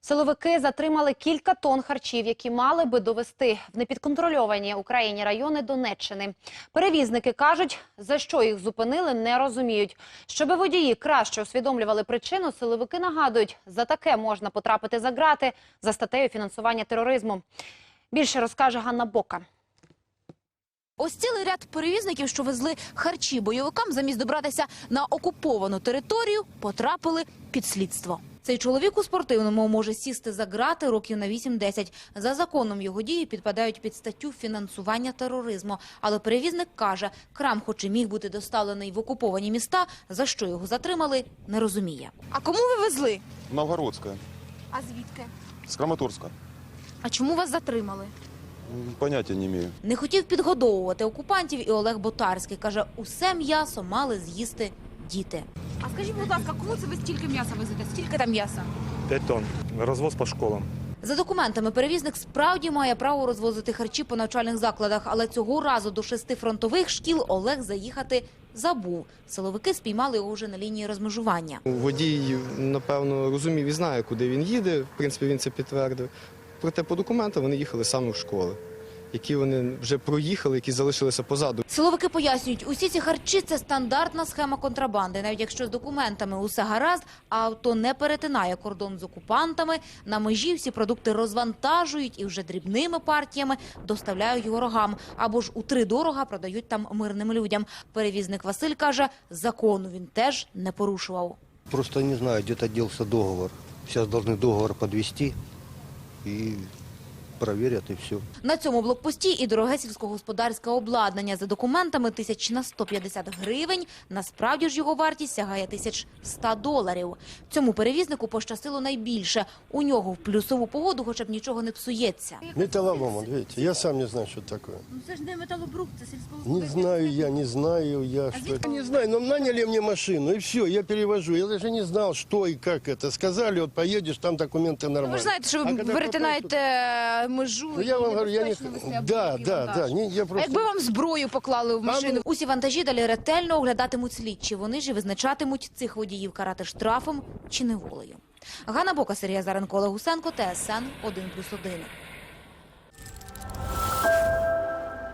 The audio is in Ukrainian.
Силовики затримали кілька тонн харчів, які мали би довести в непідконтрольовані Україні райони Донеччини. Перевізники кажуть, за що їх зупинили, не розуміють. Щоби водії краще усвідомлювали причину, силовики нагадують, за таке можна потрапити за ґрати за статтею фінансування тероризму. Більше розкаже Ганна Бока. Ось цілий ряд перевізників, що везли харчі бойовикам, замість добратися на окуповану територію, потрапили під слідство. Цей чоловік у спортивному може сісти за ґрати років на 8-10. За законом його дії підпадають під статтю фінансування тероризму. Але перевізник каже, крам хоч і міг бути доставлений в окуповані міста, за що його затримали, не розуміє. А кому ви везли? Новгородська. А звідки? З Краматорська. А чому вас затримали? Поняття не маю. Не хотів підгодовувати окупантів і Олег Ботарський. Каже, усе м'ясо мали з'їсти діти. А скажіть, будь ласка, кому це ви стільки м'яса везете? Стільки там м'яса? 5 тонн. Розвоз по школам. За документами перевізник справді має право розвозити харчі по навчальних закладах, але цього разу до 6 фронтових шкіл Олег заїхати забув. Силовики спіймали його вже на лінії розмежування. Водій, напевно, розумів і знає, куди він їде. В принципі, він це підтвердив. Проте по документам вони їхали саме в школи, які вони вже проїхали, які залишилися позаду. Силовики пояснюють, усі ці харчі – це стандартна схема контрабанди. Навіть якщо з документами усе гаразд, а авто не перетинає кордон з окупантами, на межі всі продукти розвантажують і вже дрібними партіями доставляють ворогам. Або ж утридорога продають там мирним людям. Перевізник Василь каже, закону він теж не порушував. Просто не знаю, где-то делся договор. Сейчас должны договор подвести и проверят, и все. На цьому блокпості і дороге сільськогосподарське обладнання. За документами 1150 гривень. Насправді ж його вартість сягає $1100. Цьому перевізнику пощастило найбільше. У нього в плюсову погоду хоча б нічого не псується. Металлолом, видите, я сам не знаю, что это такое. Ну це ж не металобрухт, це сільськогосподарське. Не знаю я, что это. Не знаю, но наняли мне машину, и все, я перевожу. Я даже не знал, что и как это. Сказали, вот поедешь, там документы нормально. Ви ж знаєте, що ви перетинаєте межу. Ну, я вам говорю, я не... Да. Я А просто... якби вам зброю поклали в машину? Усі вантажі далі ретельно оглядатимуть слідчі. Вони ж і визначатимуть цих водіїв карати штрафом чи неволею. Ганна Бока, Сергій Азаренко, Олег Гусенко, ТСН 1+1.